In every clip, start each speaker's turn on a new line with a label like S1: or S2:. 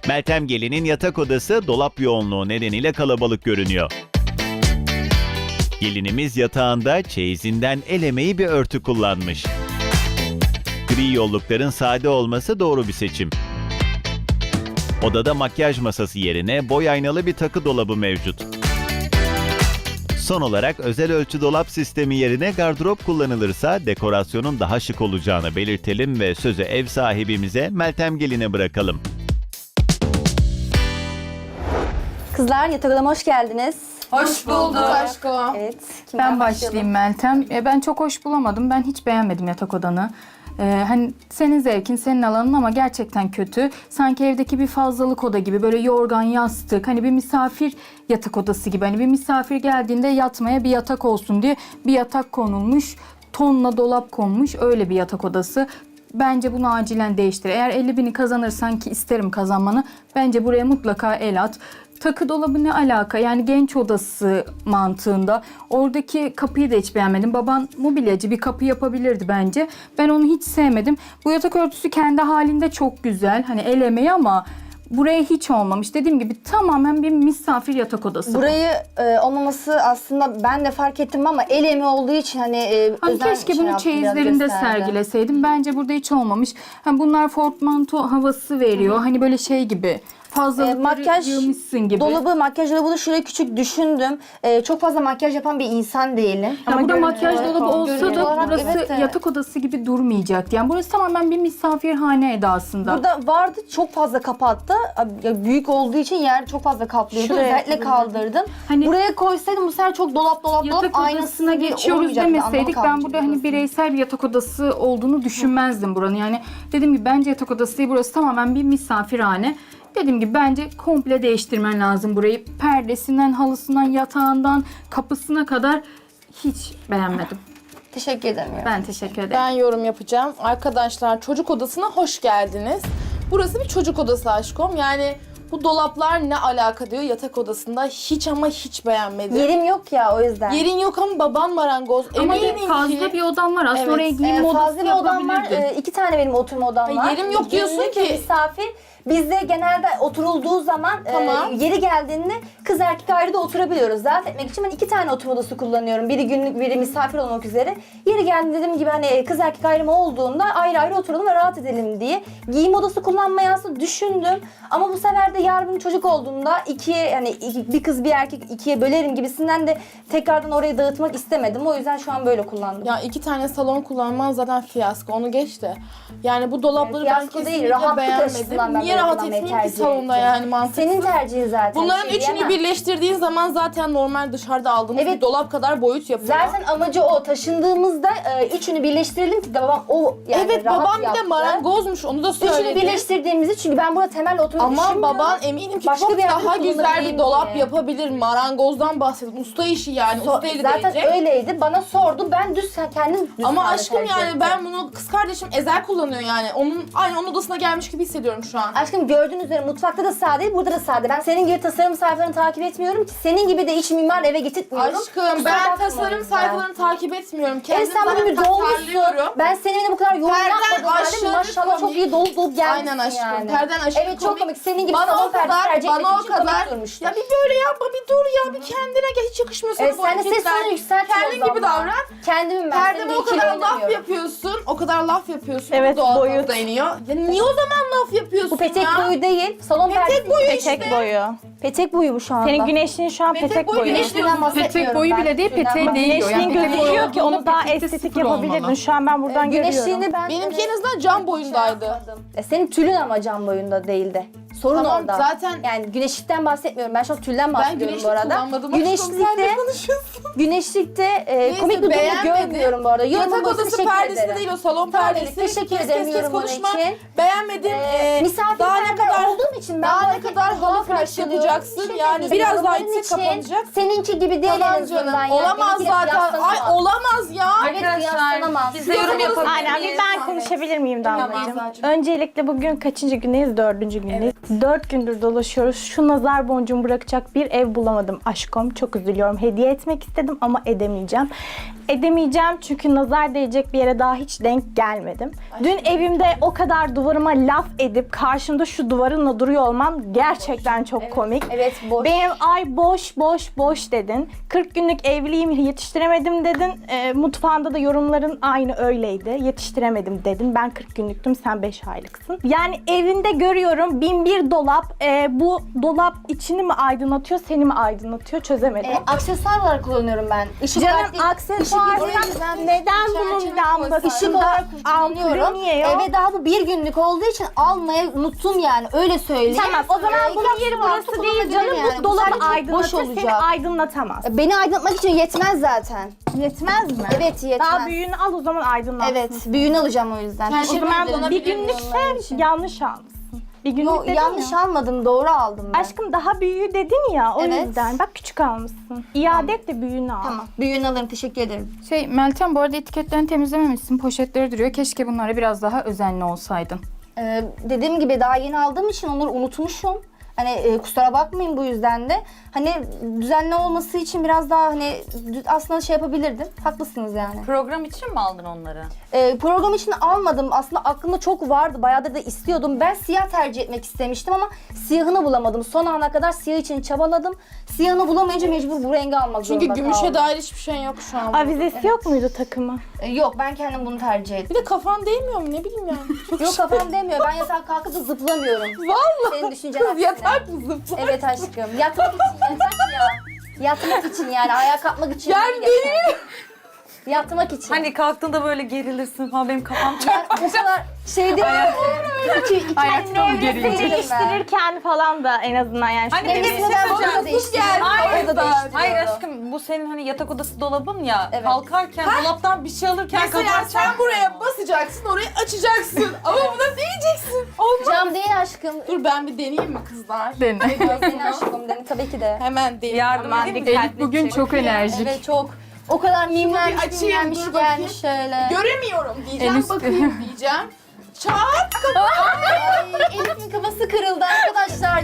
S1: Meltem Gelin'in yatak odası dolap yoğunluğu nedeniyle kalabalık görünüyor. Gelinimiz yatağında çeyizinden el emeği bir örtü kullanmış. Gri yollukların sade olması doğru bir seçim. Odada makyaj masası yerine boy aynalı bir takı dolabı mevcut. Son olarak özel ölçü dolap sistemi yerine gardırop kullanılırsa dekorasyonun daha şık olacağını belirtelim ve sözü ev sahibimize Meltem Gelin'e bırakalım.
S2: Kızlar yatak odama hoş geldiniz.
S3: Hoş bulduk aşkım.
S2: Evet. kimden
S4: Ben başlayayım Meltem. Ben çok hoş bulamadım. Ben hiç beğenmedim yatak odanı. Hani senin zevkin, senin alanın ama gerçekten kötü. Sanki evdeki bir fazlalık oda gibi böyle yorgan, yastık, hani bir misafir yatak odası gibi. Hani bir misafir geldiğinde yatmaya bir yatak olsun diye bir yatak konulmuş. Tonla dolap konmuş, öyle bir yatak odası. Bence bunu acilen değiştir. Eğer 50.000'i kazanırsan, ki isterim kazanmanı, bence buraya mutlaka el at. Takı dolabı ne alaka? Yani genç odası mantığında. Oradaki kapıyı da hiç beğenmedim. Baban mobilyacı, bir kapı yapabilirdi bence. Ben onu hiç sevmedim. Bu yatak örtüsü kendi halinde çok güzel. Hani el emeği ama buraya hiç olmamış. Dediğim gibi tamamen bir misafir yatak odası.
S2: Burayı olmaması aslında ben de fark ettim ama el emeği olduğu için hani
S4: Hani
S2: özel
S4: keşke
S2: şey
S4: bunu
S2: yaptım, biraz
S4: çeyizlerinde
S2: gösterdi.
S4: sergileseydim. Bence burada hiç olmamış. Hani bunlar portmanto havası veriyor. Hani böyle şey gibi. Fazlalıkları
S2: Makyaj
S4: yığmışsın gibi.
S2: dolabı, makyaj dolabı da şuraya küçük düşündüm. Çok fazla makyaj yapan bir insan değilim.
S4: Ya burada makyaj
S2: görünüyor.
S4: dolabı olsa
S2: Görünüyor
S4: da
S2: olarak
S4: burası
S2: evet de.
S4: yatak odası gibi durmayacaktı. Yani burası tamamen bir misafirhane edasında.
S2: Burada vardı, çok fazla kapattı. Ya büyük olduğu için yer çok fazla kaplıyordu.
S4: Şuraya
S2: Özellikle kaldırdım.
S4: Hani-
S2: Buraya koysaydım bu sefer çok dolap
S4: yatak
S2: aynasına
S4: odasına geçiyoruz demeseydik ben burada hani bireysel bir yatak odası olduğunu düşünmezdim buranın. Yani dediğim gibi bence yatak odası değil, burası tamamen bir misafirhane. Dediğim gibi bence komple değiştirmen lazım burayı. Perdesinden, halısından, yatağından, kapısına kadar hiç beğenmedim.
S2: Teşekkür ederim.
S4: Ben teşekkür ederim.
S3: Ben yorum yapacağım. Arkadaşlar çocuk odasına hoş geldiniz. Burası bir çocuk odası aşkım. Yani bu dolaplar ne alaka diyor yatak odasında. Hiç ama hiç beğenmedim.
S2: Yerim yok ya, o yüzden.
S3: Yerin yok ama baban marangoz.
S4: Ama
S3: Eminim
S4: fazla
S3: ki...
S4: bir odam var. Aslında
S3: Evet,
S4: oraya giyinme odası
S2: Fazla bir odam var.
S4: yapabilirdin.
S2: 2 tane benim oturma odam var.
S3: yerim yok diyorsun
S2: Günlük
S3: ki.
S2: misafir. Bizde genelde oturulduğu zaman
S3: Tamam.
S2: yeri geldiğinde kız erkek ayrı da oturabiliyoruz. Rahat etmek için ben 2 tane oturma odası kullanıyorum. Biri günlük, biri misafir olmak üzere. Yeri geldiğinde dediğim gibi hani kız erkek ayrımı olduğunda ayrı ayrı oturalım ve rahat edelim diye. Giyim odası kullanmayı aslında düşündüm. Ama bu sefer de yarın bir çocuk olduğunda bir kız bir erkek ikiye bölerim gibisinden de tekrardan orayı dağıtmak istemedim. O yüzden şu an böyle kullandım.
S3: Ya 2 tane salon kullanman zaten fiyasko. Onu geç de. Yani bu dolapları ben
S2: Fiyasko değil,
S3: kesinlikle
S2: rahatlık açısından
S3: beğenmedim.
S2: ben
S3: Niye
S2: böyle
S3: rahat
S2: kullanmayı
S3: etmeyeyim ki
S2: tercih
S3: salonda
S2: ettim.
S3: yani mantıksız.
S2: Senin tercihin zaten.
S3: Bunların
S2: bir şey
S3: üçünü
S2: diyemem.
S3: birleştirdiğin zaman zaten normal dışarıda aldığımız
S2: Evet.
S3: bir dolap kadar boyut yapıyor.
S2: Zaten amacı o. Taşındığımızda üçünü birleştirelim ki babam o yani
S3: evet
S2: rahat
S3: babam bir de
S2: yaptı.
S3: marangozmuş onu da
S2: Üçünü
S3: söyledi.
S2: birleştirdiğimizi çünkü ben burada temel oturmayı
S3: Ama
S2: düşünmüyorum.
S3: baban eminim ki
S2: Başka
S3: çok
S2: bir yerde
S3: daha güzel bir
S2: kullanayım
S3: dolap
S2: diye.
S3: yapabilir. Marangozdan bahsediyorum. Usta işi yani. Usta eli
S2: Zaten
S3: değecek.
S2: öyleydi. Bana sordu. Ben kendim düz
S3: Ama
S2: sade
S3: aşkım
S2: tercih
S3: yani
S2: ettim.
S3: ben bunu kız kardeşim Ezel kullanıyor yani. Onun odasına gelmiş gibi hissediyorum şu an.
S2: Aşkım gördüğünüz üzere mutfakta da sade, burada da sade. Ben senin gibi tasarım sayfalarını takip etmiyorum ki. Senin gibi de iç mimar eve getirtmiyorum.
S3: Aşkım
S2: Kusura
S3: ben
S2: bakma o
S3: tasarım
S2: yüzden.
S3: sayfalarını takip etmiyorum. Kendim
S2: Evet sen bugün bir
S3: zaten
S2: dolmuşsun.
S3: tasarlıyorum.
S2: Ben seninle bu kadar yorum
S3: Perden
S2: yapmadım.
S3: aşırı
S2: Yani. Maşallah çok
S3: komik.
S2: iyi dolup gelmişsin
S3: Aynen aşkım.
S2: yani.
S3: Perden aşırı
S2: Evet çok
S3: komik.
S2: komik. Senin gibi
S3: Bana
S2: salon
S3: o
S2: perdesi
S3: kadar,
S2: tercih etmek
S3: bana o
S2: için komik
S3: kadar.
S2: durmuştur.
S3: Ya bir böyle yapma bir dur ya bir kendine gel hiç yakışmıyor sana
S2: Evet,
S3: bu
S2: sen de ses
S3: hareketler.
S2: tonu yükselt.
S3: Kendin gibi davran.
S2: Kendimim ben.
S3: Perdeme
S2: Seninle
S3: o
S2: ikili
S3: kadar laf
S2: oynamıyorum.
S3: yapıyorsun. O kadar laf yapıyorsun.
S5: Evet,
S3: Doğal
S5: boyut.
S3: gazda iniyor. Ya niye o zaman laf yapıyorsun
S2: Bu petek
S3: ya?
S2: boyu değil. Salon
S3: Petek
S2: perdesi.
S3: boyu
S5: Petek
S3: işte.
S5: boyu.
S2: Petek boyu bu şu anda.
S5: Senin güneşliğin şu an
S3: Petek
S5: petek
S3: boyu
S5: boyu.
S3: güneş-
S2: Güneşliğinden bahsetmiyorum
S4: Petek boyu
S2: ben.
S4: bile değil,
S2: Güneşliğinden
S4: peteği değiyor.
S5: Güneşliğin
S4: petek boyu
S5: gözüküyor ki onu
S4: olduğunda
S5: daha
S4: petekte
S5: estetik
S4: sıfır olmalı.
S5: yapabilirdin. Şu an ben buradan görüyorum.
S2: Güneşliğini ben...
S3: Benimki en azından cam boyundaydı.
S2: Senin tülün ama cam boyunda değildi. Sorun
S3: Tamam,
S2: orada.
S3: zaten-
S2: Yani güneşlikten bahsetmiyorum. Ben şu an tülden
S3: Ben
S2: bahsediyorum
S3: güneşlik
S2: bu arada.
S3: kullanmadım. Aşkım, sen
S2: Güneşlikte,
S3: ne konuşuyorsun?
S2: güneşlikte komik bir durum
S3: beğenmedim.
S2: görmüyorum bu arada.
S3: Yatak
S2: Yorumlamanız için
S3: odası
S2: teşekkür
S3: perdesi
S2: ederim.
S3: değil o salon
S2: Tamam,
S3: perdesi.
S2: teşekkür
S3: Kes,
S2: ederim
S3: kes, kes,
S2: yorumun
S3: konuşma.
S2: için.
S3: Beğenmedim.
S2: Misafir
S3: daha ne
S2: perde
S3: kadar
S2: olduğum için ben
S3: daha
S2: bu
S3: ne
S2: hareketi
S3: kadar
S2: doğal
S3: halı flash
S2: karşılıyorum.
S3: yapacaksın
S2: Teşekkür
S3: yani
S2: ederim.
S3: biraz daha
S2: Yorumların
S3: itsek
S2: için
S3: kapanacak.
S2: Seninki gibi değil en
S3: Tamam
S2: azından.
S3: canım.
S2: yani.
S3: Olamaz
S2: Benimkiyle
S3: zaten. Ay
S2: kıyaslanamaz.
S3: olamaz ya.
S2: Evet kıyaslanamaz.
S4: biz de yorum yapalım.
S5: Aynen bir ben konuşabilir miyim Damlacığım? Öncelikle bugün kaçıncı gündeyiz? 4. gündeyiz. 4 gündür dolaşıyoruz. Şu nazar boncuğumu bırakacak bir ev bulamadım aşkım. Çok üzülüyorum. Hediye etmek istedim ama edemeyeceğim. Edemeyeceğim çünkü nazar değecek bir yere daha hiç denk gelmedim. Dün evimde o kadar duvarıma laf edip karşımda şu duvarınla duruyor olman gerçekten çok komik.
S2: Evet, boş.
S5: Benim ay boş dedin. 40 günlük evliyim, yetiştiremedim dedin. Mutfağında da yorumların aynı öyleydi. Yetiştiremedim dedin. Ben 40 günlüktüm, sen 5 aylıksın. Yani evinde görüyorum 1001 dolap. Bu dolap içini mi aydınlatıyor, seni mi aydınlatıyor çözemedim.
S2: Aksesuar olarak kullanıyorum ben. Işık
S5: Canım
S2: olarak değil,
S5: aksesuardan
S2: ışık-
S5: neden bunun
S2: Işık
S5: lambasında
S2: olarak
S5: ampulü
S2: kullanıyorum.
S5: niye yok?
S2: Eve daha bu bir günlük olduğu için almayı unuttum yani öyle söyleyeyim.
S5: Tamam, o zaman bunun yeri
S2: aksesuar
S5: burası değil
S2: kullanabilirim
S5: canım.
S2: yani.
S5: Bu dolabı
S2: sadece boş
S5: aydınlatır, seni
S2: olacak.
S5: aydınlatamaz.
S2: Beni aydınlatmak için yetmez zaten.
S5: Yetmez mi?
S2: Evet, yetmez.
S5: Daha büyüğünü al, o zaman aydınlatsın.
S2: Evet, büyüğünü alacağım o yüzden.
S3: Yani
S5: O
S3: Şimdi
S5: zaman
S3: kullanabilir
S5: bir
S3: miyim
S5: günlükse
S2: onun için?
S5: yanlış almışsın. Bir günlük
S2: Yo,
S5: dedin
S2: yanlış
S5: ya.
S2: almadım, doğru aldım ben.
S5: Aşkım daha büyüğü dedin ya, o
S2: Evet.
S5: yüzden. Bak küçük almışsın. İade et de büyüğünü al.
S2: Tamam, büyüğünü alırım, teşekkür ederim.
S4: Meltem, bu arada etiketlerini temizlememişsin. Poşetleri duruyor. Keşke bunlara biraz daha özenli olsaydın.
S2: Dediğim gibi daha yeni aldığım için onları unutmuşum. Hani kusura bakmayın bu yüzden de. Hani düzenli olması için biraz daha hani aslında şey yapabilirdim. Haklısınız yani.
S6: Program için mi aldın onları?
S2: Program için almadım. Aslında aklımda çok vardı. Bayağıdır da istiyordum. Ben siyah tercih etmek istemiştim ama siyahını bulamadım. Son ana kadar siyah için çabaladım. Siyahını bulamayınca mecbur bu rengi almak
S3: Çünkü
S2: zorunda
S3: gümüşe
S2: kaldım.
S3: dair hiçbir şey yok şu an.
S5: Avizesi yok muydu takımı?
S2: Yok, ben kendim bunu tercih ettim.
S3: Bir de kafan değmiyor mu ne bileyim yani.
S2: Yok, kafam demiyor. Ben yatağa kalkıp da zıplamıyorum.
S3: Vallahi.
S2: Senin düşüncen
S3: Kız
S2: aksine.
S3: yatak mı zıplar?
S2: Evet aşkım. Yatmak için yatak ya. Yatmak için yani. Ayağa kalkmak için
S3: Yani
S2: değil yatak. Yatmak için.
S6: Hani kalktığında böyle gerilirsin falan benim kafam
S2: yani o kadar şey değil.
S4: Ayakta gerilecek.
S5: Değiştirirken falan da en azından yani.
S6: Hani
S2: Benim
S6: benim
S2: neden
S3: söyleyeceğim.
S2: orada değiştiriyorum.
S3: Hayır,
S2: Orada değiştiriyorum.
S6: Hayır aşkım bu senin hani yatak odası dolabın ya.
S2: Evet.
S6: Kalkarken dolaptan bir şey alırken
S3: Mesela
S6: kaparken.
S3: sen buraya basacaksın, orayı açacaksın. Ama buna değeceksin. Olmaz.
S2: Cam değil aşkım.
S3: Dur ben bir deneyeyim mi kızlar?
S4: Dene.
S2: Senin aşkım dedim tabii ki de.
S3: Hemen deneyeyim.
S6: Yardım
S3: Hemen
S6: edeyim mi?
S4: Elif bugün çok enerjik.
S2: Evet çok. O kadar mimlenmiş,
S3: açayım,
S2: mimlenmiş
S3: dur bakayım.
S2: gelmiş şöyle.
S3: Göremiyorum diyeceğim,
S4: En üstte.
S3: bakayım diyeceğim. Çat!
S2: Ay, Elif'in kafası kırıldı arkadaşlar.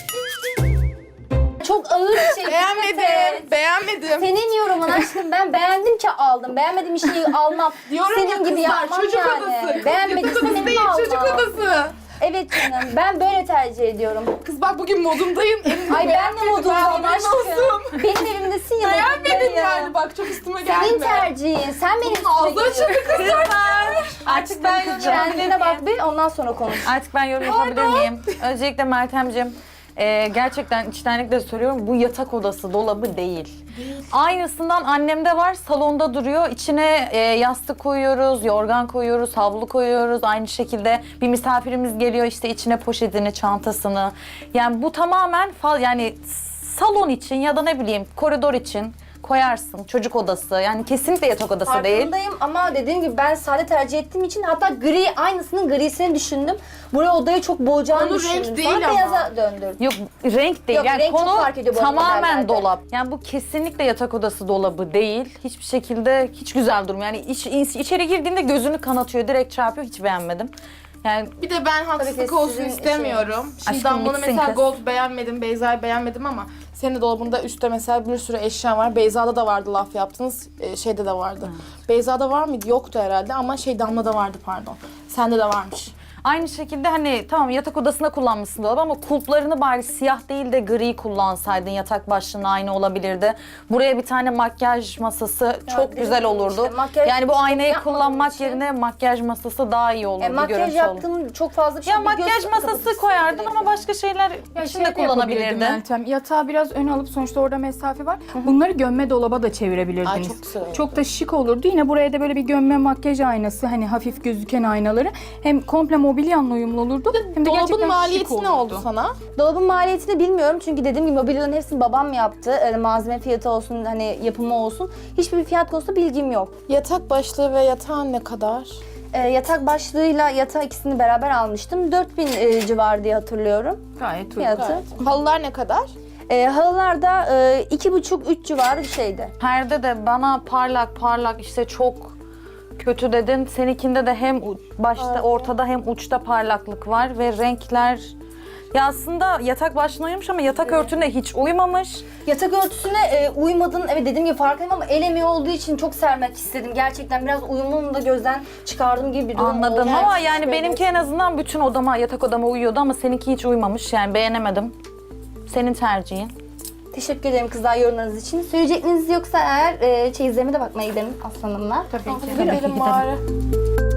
S2: Çok ağır bir şey.
S3: Beğenmedim, beğenmedim.
S2: Senin yorumun aşkım, ben beğendim ki aldım. Beğenmediğim bir şeyi almam.
S3: Diyorum
S2: Senin
S3: ya
S2: gibi
S3: kızlar,
S2: yapmam
S3: çocuk
S2: yani.
S3: odası.
S2: Beğenmediysen
S3: Yatak odası
S2: benim
S3: değil,
S2: almam.
S3: çocuk odası.
S2: Evet canım, ben böyle tercih ediyorum.
S3: Kız bak bugün modumdayım.
S2: Ay ben de modundayım aşkım. Benim evimdesin ya.
S3: Beğenmedim
S2: modundayım.
S3: yani bak çok üstüme
S2: Senin
S3: gelme.
S2: tercihin. Sen benim üstüme
S3: Ağzı
S2: geliyorsun.
S3: açıldı kızlar.
S6: Artık ben yorum yapabilir
S2: Kendine bak
S6: miyim?
S2: bir, ondan sonra konuş.
S6: Artık ben yorum yapabilir miyim? Öncelikle Meltemciğim gerçekten içtenlikle söylüyorum bu yatak odası dolabı değil. Aynısından annemde var, salonda duruyor. İçine yastık koyuyoruz, yorgan koyuyoruz, havlu koyuyoruz. Aynı şekilde bir misafirimiz geliyor işte içine poşetini, çantasını. Yani bu tamamen yani salon için ya da ne bileyim koridor için koyarsın. Çocuk odası yani kesinlikle yatak odası değil.
S2: Farkındayım ama dediğim gibi ben sade tercih ettiğim için hatta gri, aynısının grisini düşündüm. Buraya odayı çok boğacağını
S3: Konu
S2: düşündüm.
S3: renk değil
S2: Sonra
S3: ama.
S2: beyaza döndürdüm.
S6: Yok renk değil.
S2: Yok,
S6: yani
S2: renk çok
S6: konu
S2: fark ediyor bu arada
S6: tamamen
S2: modellerde.
S6: dolap. Yani bu kesinlikle yatak odası dolabı değil. Hiçbir şekilde hiç güzel durmuyor. Yani içeri girdiğinde gözünü kanatıyor, direkt çarpıyor. Hiç beğenmedim. Yani
S3: Bir de ben haksızlık
S2: ki
S3: olsun
S2: sizin
S3: istemiyorum. Şimdi
S6: Aşkım
S3: Damla'nı
S6: bitsin
S3: mesela
S6: kız.
S3: gold beğenmedim, Beyza'yı beğenmedim ama senin de dolabında üstte mesela bir sürü eşya var. Beyza'da da vardı laf yaptınız, şeyde de vardı. Beyza'da var mıydı? Yoktu herhalde ama Damla'da vardı pardon. Sende de varmış.
S6: aynı şekilde hani tamam yatak odasında kullanmışsın dolabı ama kulplarını bari siyah değil de gri kullansaydın yatak başlığına aynı olabilirdi. Buraya bir tane makyaj masası çok
S2: dedim
S6: güzel
S2: ya
S6: olurdu.
S2: işte, makyaj
S6: yani bu aynayı
S2: yapmadığım
S6: kullanmak
S2: için-
S6: yerine makyaj masası daha iyi olurdu.
S2: Makyaj
S6: görüntü
S2: yaptığım çok fazla bir şey.
S6: Ya
S2: bir
S6: makyaj
S2: göz
S6: masası
S2: kapatıcısı
S6: koyardın
S2: direkt.
S6: ama başka şeyler
S4: Ya
S6: için
S4: şey
S6: de
S4: de yapabilirdin
S6: kullanabilirdin.
S4: Meltem. Yatağı biraz öne alıp sonuçta orada mesafe var. Bunları gömme dolaba da çevirebilirdiniz.
S3: Ay, çok güzel olurdu.
S4: Çok da şık olurdu. Yine buraya da böyle bir gömme makyaj aynası, hani hafif gözüken aynaları hem komple mobilyanla uyumlu olurdu. Hem de
S3: Dolabın
S4: gerçekten
S3: maliyeti
S4: şık
S3: ne oldu sana?
S2: Dolabın maliyetini bilmiyorum çünkü dediğim gibi mobilyaların hepsini babam yaptı. Malzeme fiyatı olsun, hani yapımı olsun. Hiçbir fiyat konusunda bilgim yok.
S3: Yatak başlığı ve yatağın ne kadar?
S2: Yatak başlığıyla yatağı ikisini beraber almıştım. 4000 civarı diye hatırlıyorum
S4: Gayet uygun.
S2: fiyatı.
S3: Halılar ne kadar?
S2: Halılar da 2,5-3 civarı bir şeydi.
S6: Perde de bana parlak işte çok kötü dedin. Seninkinde de hem başta ortada hem uçta parlaklık var ve renkler Ya aslında yatak başına uyumuş ama yatak örtüne hiç uymamış.
S2: Yatak örtüsüne uymadın. Evet, dediğim gibi farkındayım ama el emeği olduğu için çok sermek istedim. Gerçekten biraz uyumunu da gözden çıkardım gibi bir durum
S6: Anladım
S2: oldu.
S6: ama yani benimki en azından bütün odama, yatak odama uyuyordu ama seninki hiç uymamış. Yani beğenemedim. Senin tercihin.
S2: Teşekkür ederim kızlar yorumlarınız için. Söyleyecekleriniz yoksa eğer çeyizlerime de bakmaya gidelim aslanımla.
S3: Gidelim bari.